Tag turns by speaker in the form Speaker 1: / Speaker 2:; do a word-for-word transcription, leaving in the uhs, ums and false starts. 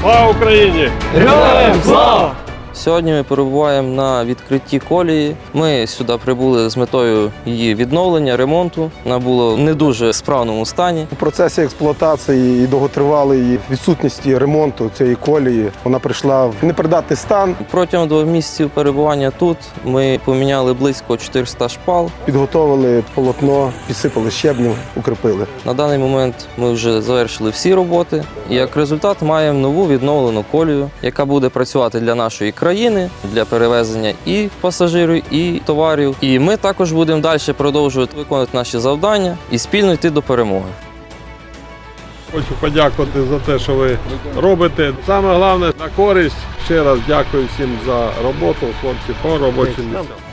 Speaker 1: Слава Україні!
Speaker 2: Героям слава!
Speaker 3: Сьогодні ми перебуваємо на відкритті колії. Ми сюди прибули з метою її відновлення, ремонту. Вона була в не дуже справному стані.
Speaker 4: У процесі експлуатації і довготривалої відсутності ремонту цієї колії вона прийшла в непридатний стан.
Speaker 3: Протягом двох місяців перебування тут ми поміняли близько чотириста шпал.
Speaker 4: Підготовили полотно, підсипали щебнем, укріпили.
Speaker 3: На даний момент ми вже завершили всі роботи. І як результат маємо нову відновлену колію, яка буде працювати для нашої країни, для перевезення і пасажирів, і товарів. І ми також будемо далі продовжувати виконувати наші завдання і спільно йти до перемоги.
Speaker 1: Хочу подякувати за те, що ви робите. Саме головне, на користь. Ще раз дякую всім за роботу, хлопці, по робочим місцям.